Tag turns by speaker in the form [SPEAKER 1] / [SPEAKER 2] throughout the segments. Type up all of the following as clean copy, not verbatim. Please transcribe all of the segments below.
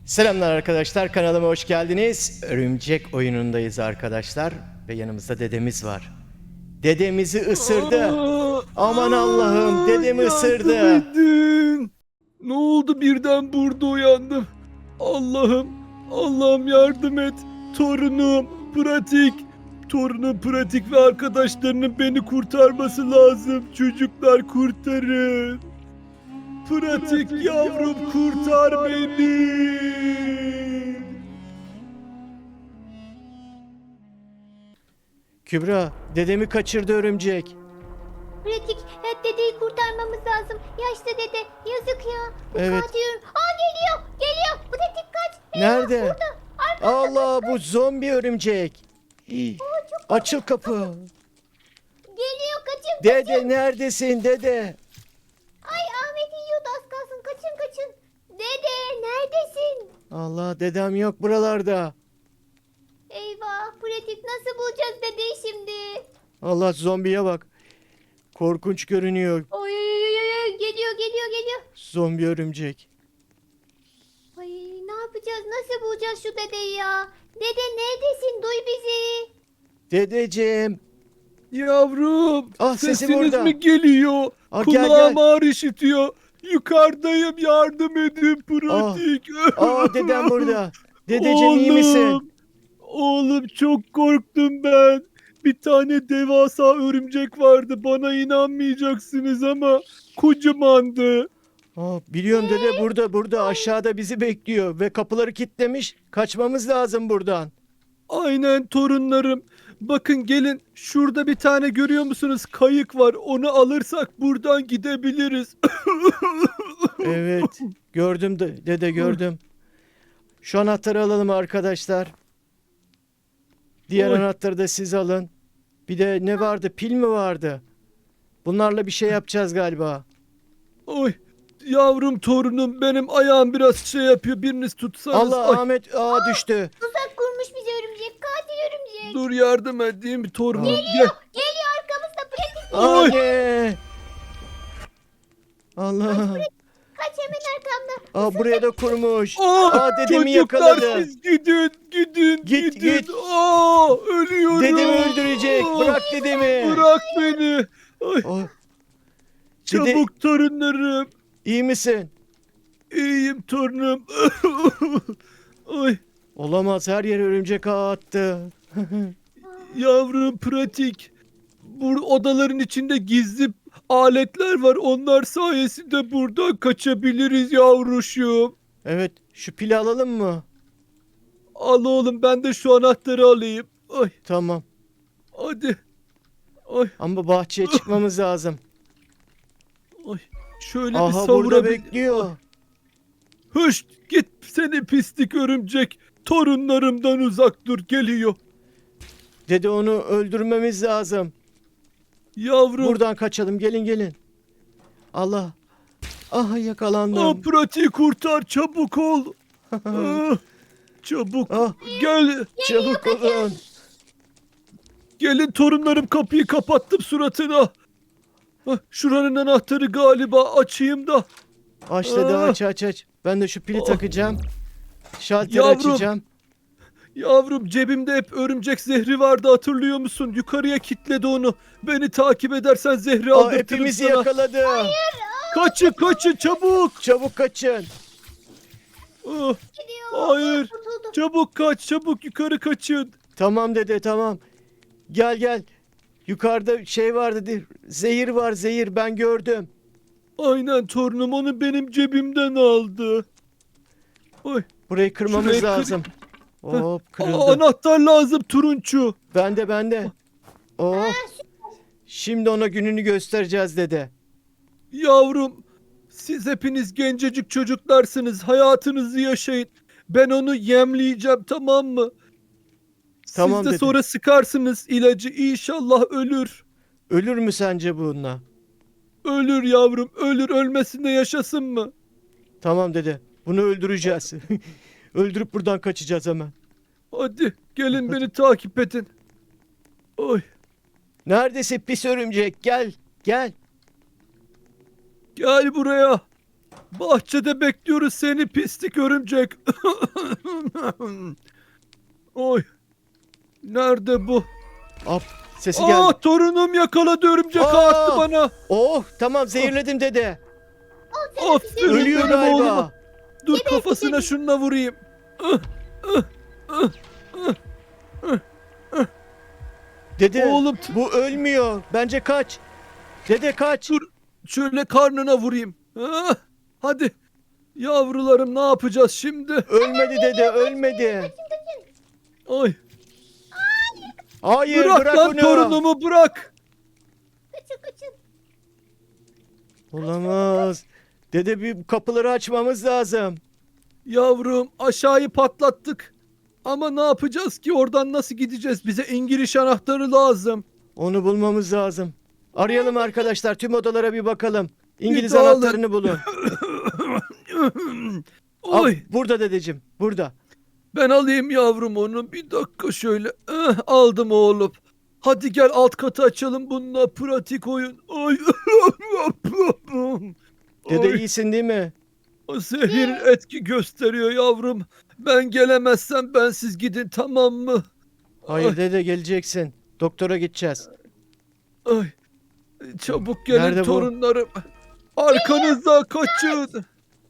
[SPEAKER 1] Selamlar arkadaşlar, kanalıma hoş geldiniz. Örümcek oyunundayız arkadaşlar ve yanımızda dedemiz var. Dedemizi ısırdı. Aman Allah'ım, dedemi ısırdı.
[SPEAKER 2] Yardım edin. Ne oldu birden burada uyandım. Allah'ım, Allah'ım yardım et. Torunum pratik. Torunum pratik ve arkadaşlarının beni kurtarması lazım. Çocuklar kurtarın. Pratik yavrum kurtar beni.
[SPEAKER 1] Kübra, dedemi kaçırdı örümcek.
[SPEAKER 3] Pratik, dedeyi kurtarmamız lazım. Yaşlı dede, yazık ya.
[SPEAKER 1] Evet.
[SPEAKER 3] Kaçıyorum. Geliyor. Pratik kaç.
[SPEAKER 1] Nerede?
[SPEAKER 3] Burada.
[SPEAKER 1] Allah, bu zombi örümcek. Hii, Açıl kapı.
[SPEAKER 3] Geliyor, kaçın.
[SPEAKER 1] Dede neredesin dede?
[SPEAKER 3] Ay, Ahmet yiyordu, az kalsın. Kaçın. Dede, neredesin?
[SPEAKER 1] Allah, dedem yok buralarda.
[SPEAKER 3] Eyvah, pratik nasıl bulacağız dedeyi şimdi?
[SPEAKER 1] Allah, zombiye bak. Korkunç görünüyor
[SPEAKER 3] Oy, geliyor.
[SPEAKER 1] zombi örümcek.
[SPEAKER 3] Ay, ne yapacağız? Nasıl bulacağız şu dedeyi ya? Dede neredesin? Duy bizi.
[SPEAKER 1] Dedeciğim.
[SPEAKER 2] Yavrum,
[SPEAKER 1] Ah, sesi
[SPEAKER 2] sesiniz
[SPEAKER 1] burada.
[SPEAKER 2] mi geliyor?
[SPEAKER 1] Ah, gel,
[SPEAKER 2] Kulağım
[SPEAKER 1] gel.
[SPEAKER 2] ağır işitiyor. Yukarıdayım, yardım edin pratik.
[SPEAKER 1] Aa, dedem burada. Dedeciğim, iyi misin?
[SPEAKER 2] Oğlum çok korktum ben. Bir tane devasa örümcek vardı. Bana inanmayacaksınız ama kocamandı.
[SPEAKER 1] Aa, biliyorum dede, burada aşağıda bizi bekliyor ve kapıları kilitlemiş. Kaçmamız lazım buradan.
[SPEAKER 2] Aynen torunlarım. Bakın gelin, şurada bir tane görüyor musunuz? Kayık var. Onu alırsak buradan gidebiliriz.
[SPEAKER 1] Evet, gördüm dede, gördüm. Şu anahtarı alalım arkadaşlar. Diğer
[SPEAKER 2] Oy.
[SPEAKER 1] anahtarı da siz alın. Bir de ne vardı? Pil mi vardı? Bunlarla bir şey yapacağız galiba.
[SPEAKER 2] Oy. Yavrum torunum, benim ayağım biraz şey yapıyor. Biriniz tutsanız.
[SPEAKER 1] Allah,
[SPEAKER 2] Ay,
[SPEAKER 1] Ahmet düştü.
[SPEAKER 3] Tuzak kurmuş bize örümcek. Katil örümcek.
[SPEAKER 2] dur yardım edeyim torunum. Gel.
[SPEAKER 3] Geliyor arkamızda pratik.
[SPEAKER 2] Oy.
[SPEAKER 1] Anne. Allah.
[SPEAKER 3] Kaç hemen arkamda.
[SPEAKER 1] Buraya da kurmuş.
[SPEAKER 2] Aa,
[SPEAKER 1] Dedemi
[SPEAKER 2] çocuklar
[SPEAKER 1] yakaladı.
[SPEAKER 2] siz gidin.
[SPEAKER 1] Git.
[SPEAKER 2] Ölüyorum.
[SPEAKER 1] Dedemi öldürecek. Bırak dedemi.
[SPEAKER 2] Bırak beni. Ay,
[SPEAKER 1] Dede,
[SPEAKER 2] çabuk torunlarım.
[SPEAKER 1] iyi misin?
[SPEAKER 2] İyiyim torunum. Ay,
[SPEAKER 1] Olamaz, her yer örümcek ağı attı.
[SPEAKER 2] yavrum pratik. Bu odaların içinde gizli aletler var. Onlar sayesinde buradan kaçabiliriz yavruşum.
[SPEAKER 1] Evet, şu pili alalım mı?
[SPEAKER 2] Al oğlum, ben de şu anahtarı alayım. Ay,
[SPEAKER 1] Tamam.
[SPEAKER 2] hadi. Ay,
[SPEAKER 1] Ama bahçeye çıkmamız lazım.
[SPEAKER 2] ay. Şöyle bir
[SPEAKER 1] Aha, burada
[SPEAKER 2] savurabil...
[SPEAKER 1] bekliyor.
[SPEAKER 2] Hışt, git seni pislik örümcek. Torunlarımdan uzak dur, geliyor.
[SPEAKER 1] Dede, onu öldürmemiz lazım.
[SPEAKER 2] Yavrum.
[SPEAKER 1] Buradan kaçalım, gelin. Allah. Aha, yakalandım.
[SPEAKER 2] Pratiği kurtar, çabuk ol. Ah, çabuk.
[SPEAKER 1] Ah,
[SPEAKER 2] Gel.
[SPEAKER 1] çabuk olun.
[SPEAKER 2] Gelin torunlarım, kapıyı kapattım suratına. Şuranın anahtarı galiba, açayım da.
[SPEAKER 1] Aç dede,
[SPEAKER 2] Ah.
[SPEAKER 1] aç. Ben de şu pili
[SPEAKER 2] Oh.
[SPEAKER 1] takacağım. Şalteri
[SPEAKER 2] Yavrum.
[SPEAKER 1] açacağım.
[SPEAKER 2] Yavrum, cebimde hep örümcek zehri vardı, hatırlıyor musun? Yukarıya kilitledi onu. Beni takip edersen zehri aldırtırım
[SPEAKER 1] Hepimizi
[SPEAKER 2] sana.
[SPEAKER 1] yakaladı.
[SPEAKER 2] Kaçın çabuk.
[SPEAKER 1] Çabuk kaçın.
[SPEAKER 2] Ah,
[SPEAKER 3] Gidiyor.
[SPEAKER 2] hayır.
[SPEAKER 3] Kurtuldum.
[SPEAKER 2] Çabuk kaç, çabuk yukarı kaçın.
[SPEAKER 1] Tamam dede, tamam. Gel. Yukarıda şey var dedi. Zehir var, zehir, ben gördüm.
[SPEAKER 2] Aynen torunum, onu benim cebimden aldı. Oy.
[SPEAKER 1] Burayı kırmamız
[SPEAKER 2] Şurayı kır-
[SPEAKER 1] lazım. Hop, kırıldı.
[SPEAKER 2] Anahtar lazım turunçu.
[SPEAKER 1] Bende. Oh. Şimdi ona gününü göstereceğiz dede.
[SPEAKER 2] Yavrum, siz hepiniz gencecik çocuklarsınız. Hayatınızı yaşayın. Ben onu yemleyeceğim, tamam mı?
[SPEAKER 1] Tamam
[SPEAKER 2] Siz de
[SPEAKER 1] dedim.
[SPEAKER 2] sonra sıkarsınız ilacı. İnşallah ölür.
[SPEAKER 1] Ölür mü sence bununla?
[SPEAKER 2] Ölür yavrum, ölür. Ölmesin de yaşasın mı?
[SPEAKER 1] Tamam dede. Bunu öldüreceğiz. Öldürüp buradan kaçacağız hemen.
[SPEAKER 2] Hadi gelin, beni takip edin. Oy,
[SPEAKER 1] Neredesin pis örümcek? Gel.
[SPEAKER 2] gel buraya. Bahçede bekliyoruz seni pislik örümcek. Oy. Nerede bu?
[SPEAKER 1] Hop, sesi geldi.
[SPEAKER 2] Torunum yakaladı örümcek
[SPEAKER 1] Aa!
[SPEAKER 2] attı bana.
[SPEAKER 1] Oh, tamam zehirledim dede.
[SPEAKER 2] Aferin
[SPEAKER 1] Ölüyor
[SPEAKER 2] benim
[SPEAKER 1] galiba.
[SPEAKER 2] oğluma. Dur kafasına şununla vurayım.
[SPEAKER 1] Dede,
[SPEAKER 2] Oğlum,
[SPEAKER 1] bu ölmüyor. Bence kaç. Dede kaç.
[SPEAKER 2] Dur şöyle karnına vurayım. Hadi. Yavrularım ne yapacağız şimdi?
[SPEAKER 1] Ölmedi dede, ölmedi.
[SPEAKER 2] Ay.
[SPEAKER 1] Hayır,
[SPEAKER 2] Bırak
[SPEAKER 1] bırak
[SPEAKER 2] lan
[SPEAKER 1] onu.
[SPEAKER 2] torunumu bırak.
[SPEAKER 3] Kaçın.
[SPEAKER 1] Olamaz. Dede, bir kapıları açmamız lazım.
[SPEAKER 2] Yavrum aşağıyı patlattık. Ama ne yapacağız ki oradan nasıl gideceğiz? Bize İngiliz anahtarı lazım.
[SPEAKER 1] Onu bulmamız lazım. Arayalım arkadaşlar, tüm odalara bir bakalım. İngiliz
[SPEAKER 2] Bir dağılın.
[SPEAKER 1] anahtarını bulun. Al,
[SPEAKER 2] Oy
[SPEAKER 1] burada dedeciğim, burada.
[SPEAKER 2] ben alayım yavrum onu. Bir dakika şöyle. Aldım oğlum. Hadi gel alt katı açalım bununla pratik oyun. Ay.
[SPEAKER 1] Dede
[SPEAKER 2] Ay,
[SPEAKER 1] iyisin değil mi?
[SPEAKER 2] o zehir etki gösteriyor yavrum. Ben gelemezsem bensiz gidin tamam mı?
[SPEAKER 1] Hayır dede, geleceksin. Doktora gideceğiz.
[SPEAKER 2] Ay. Çabuk gelin
[SPEAKER 1] Nerede bu?
[SPEAKER 2] torunlarım. Arkanızda kaçın.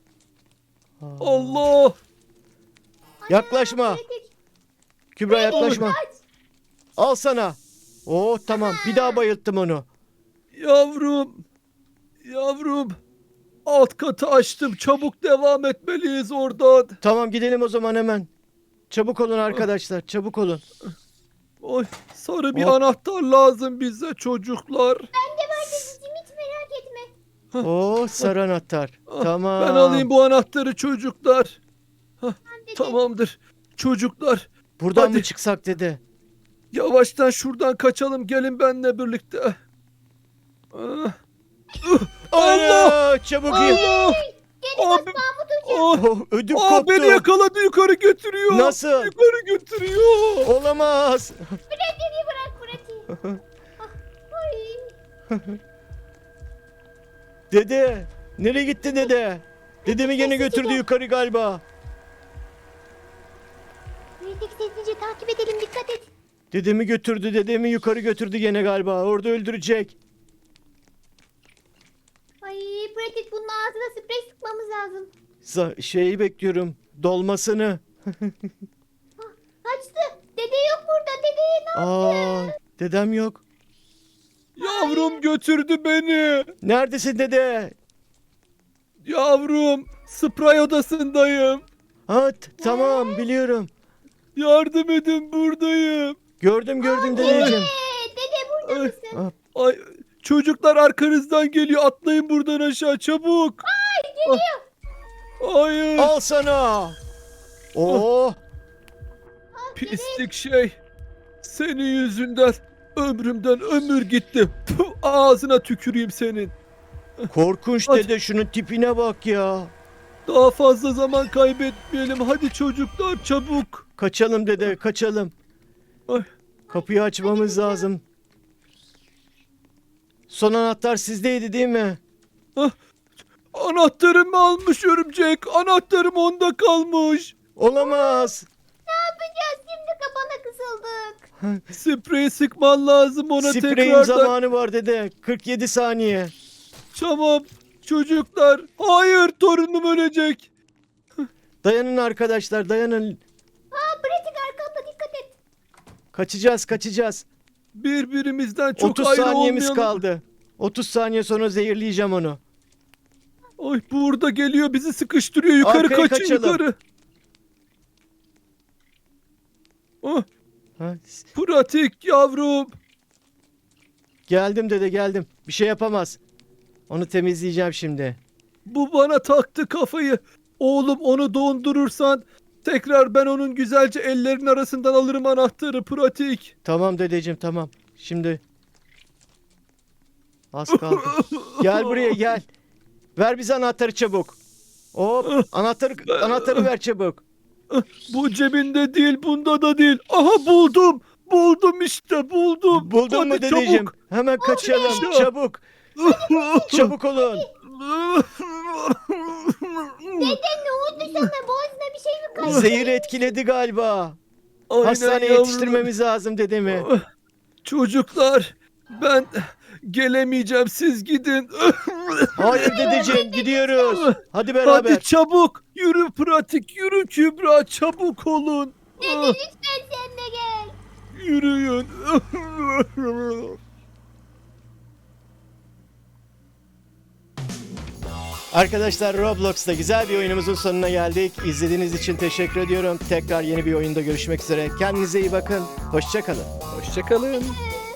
[SPEAKER 2] Allah.
[SPEAKER 1] Yaklaşma.
[SPEAKER 3] Pratik.
[SPEAKER 1] Kübra yaklaşma.
[SPEAKER 3] Kaç.
[SPEAKER 1] Al sana. Oh tamam, bir daha bayılttım onu.
[SPEAKER 2] Yavrum. Yavrum. Alt katı açtım. Çabuk devam etmeliyiz oradan.
[SPEAKER 1] Tamam, gidelim o zaman hemen. Çabuk olun arkadaşlar, çabuk olun.
[SPEAKER 2] Oy, sarı bir
[SPEAKER 1] Hop.
[SPEAKER 2] anahtar lazım bize çocuklar.
[SPEAKER 3] Bende var dedeciğim hiç merak etme.
[SPEAKER 1] Oh, sarı anahtar.
[SPEAKER 2] Ah,
[SPEAKER 1] Tamam.
[SPEAKER 2] Ben alayım bu anahtarı çocuklar.
[SPEAKER 3] Dede.
[SPEAKER 2] Tamamdır. Çocuklar
[SPEAKER 1] Buradan
[SPEAKER 2] Hadi.
[SPEAKER 1] mı çıksak dede?
[SPEAKER 2] yavaştan şuradan kaçalım. Gelin benimle birlikte. Ah. Allah!
[SPEAKER 1] Allah! Çabuk in.
[SPEAKER 2] Allah!
[SPEAKER 3] Gene
[SPEAKER 2] Abi,
[SPEAKER 3] Mahmut Hoca.
[SPEAKER 1] Oh, ödüm koptu.
[SPEAKER 2] beni yakaladı yukarı götürüyor.
[SPEAKER 1] Nasıl?
[SPEAKER 2] Yukarı götürüyor.
[SPEAKER 1] Olamaz.
[SPEAKER 3] Pratiği bırak pratiği. Ay.
[SPEAKER 1] Dede, nereye gitti dede? Dedemi gene götürdü yukarı galiba.
[SPEAKER 3] Pratik sessizce takip edelim dikkat et.
[SPEAKER 1] Dedemi götürdü, dedemi yukarı götürdü gene galiba. Orada öldürecek.
[SPEAKER 3] Ay pratik bunun ağzına sprey sıkmamız lazım.
[SPEAKER 1] Şeyi bekliyorum, dolmasını.
[SPEAKER 3] Kaçtı. Dede yok burada. Dede ne
[SPEAKER 1] Aa, dedem yok.
[SPEAKER 2] Yavrum götürdü beni.
[SPEAKER 1] Neredesin dede?
[SPEAKER 2] Yavrum sprey odasındayım.
[SPEAKER 1] Ha, tamam biliyorum.
[SPEAKER 2] Yardım edin buradayım.
[SPEAKER 1] Gördüm dedeciğim.
[SPEAKER 3] Dede burada
[SPEAKER 2] Ay.
[SPEAKER 3] mısın?
[SPEAKER 2] Ay çocuklar arkanızdan geliyor. Atlayın buradan aşağı çabuk.
[SPEAKER 3] Ay geliyor.
[SPEAKER 2] Hayır.
[SPEAKER 1] Al sana. Oh,
[SPEAKER 2] Pislik şey. Senin yüzünden ömrümden ömür gitti. Puh, ağzına tüküreyim senin.
[SPEAKER 1] korkunç
[SPEAKER 2] Hadi.
[SPEAKER 1] dede, şunun tipine bak ya.
[SPEAKER 2] Daha fazla zaman kaybetmeyelim. Hadi çocuklar çabuk.
[SPEAKER 1] Kaçalım dede, kaçalım.
[SPEAKER 2] Ay.
[SPEAKER 1] Kapıyı açmamız lazım. Son anahtar sizdeydi değil mi?
[SPEAKER 2] Anahtarımı almış örümcek. Anahtarım onda kalmış.
[SPEAKER 1] Olamaz.
[SPEAKER 3] Ne yapacağız şimdi kafana kısıldık.
[SPEAKER 2] Sprey sıkman lazım ona
[SPEAKER 1] Spreyim
[SPEAKER 2] tekrardan.
[SPEAKER 1] zamanı var dede. 47 saniye.
[SPEAKER 2] Tamam. Çocuklar. Hayır torunum ölecek.
[SPEAKER 1] Dayanın arkadaşlar, dayanın.
[SPEAKER 3] Aa pratik arkanda dikkat et.
[SPEAKER 1] Kaçacağız.
[SPEAKER 2] Birbirimizden çok
[SPEAKER 1] 30
[SPEAKER 2] ayrı
[SPEAKER 1] saniyemiz
[SPEAKER 2] olmayalım.
[SPEAKER 1] kaldı. 30 saniye sonra zehirleyeceğim onu.
[SPEAKER 2] Ay burada geliyor bizi sıkıştırıyor. Yukarı
[SPEAKER 1] Arkaya
[SPEAKER 2] kaçın
[SPEAKER 1] kaçalım.
[SPEAKER 2] yukarı. Ah,
[SPEAKER 1] Ha,
[SPEAKER 2] pratik yavrum.
[SPEAKER 1] geldim dede, geldim. Bir şey yapamaz. Onu temizleyeceğim şimdi.
[SPEAKER 2] Bu bana taktı kafayı. Oğlum onu dondurursan tekrar ben onun güzelce ellerinin arasından alırım anahtarı pratik.
[SPEAKER 1] Tamam dedeciğim, tamam. Şimdi az kaldı. Gel buraya gel. Ver bize anahtarı çabuk. Hop, anahtarı ver çabuk.
[SPEAKER 2] Bu cebinde değil bunda da değil. Aha buldum. Buldum işte buldum.
[SPEAKER 1] Buldun mu
[SPEAKER 2] Hadi
[SPEAKER 1] dedeciğim?
[SPEAKER 2] çabuk.
[SPEAKER 1] Hemen kaçalım
[SPEAKER 2] be.
[SPEAKER 1] çabuk. Çabuk olun.
[SPEAKER 3] Dede ne oldu sana? Boğazına bir şey mi kaçtı?
[SPEAKER 1] Zehir etkiledi galiba.
[SPEAKER 2] Aynen
[SPEAKER 1] Hastaneye
[SPEAKER 2] yavrum.
[SPEAKER 1] yetiştirmemiz lazım dedemi.
[SPEAKER 2] Çocuklar, ben gelemeyeceğim, siz gidin.
[SPEAKER 1] Hayır dedeciğim, gidiyoruz. Hadi beraber.
[SPEAKER 2] Hadi çabuk, yürü pratik, yürü Kübra, çabuk olun.
[SPEAKER 3] Dede lütfen sen de gel.
[SPEAKER 2] Yürüyün.
[SPEAKER 1] Arkadaşlar, Roblox'ta güzel bir oyunumuzun sonuna geldik. İzlediğiniz için teşekkür ediyorum. Tekrar yeni bir oyunda görüşmek üzere. Kendinize iyi bakın. Hoşça kalın.
[SPEAKER 2] Hoşçakalın.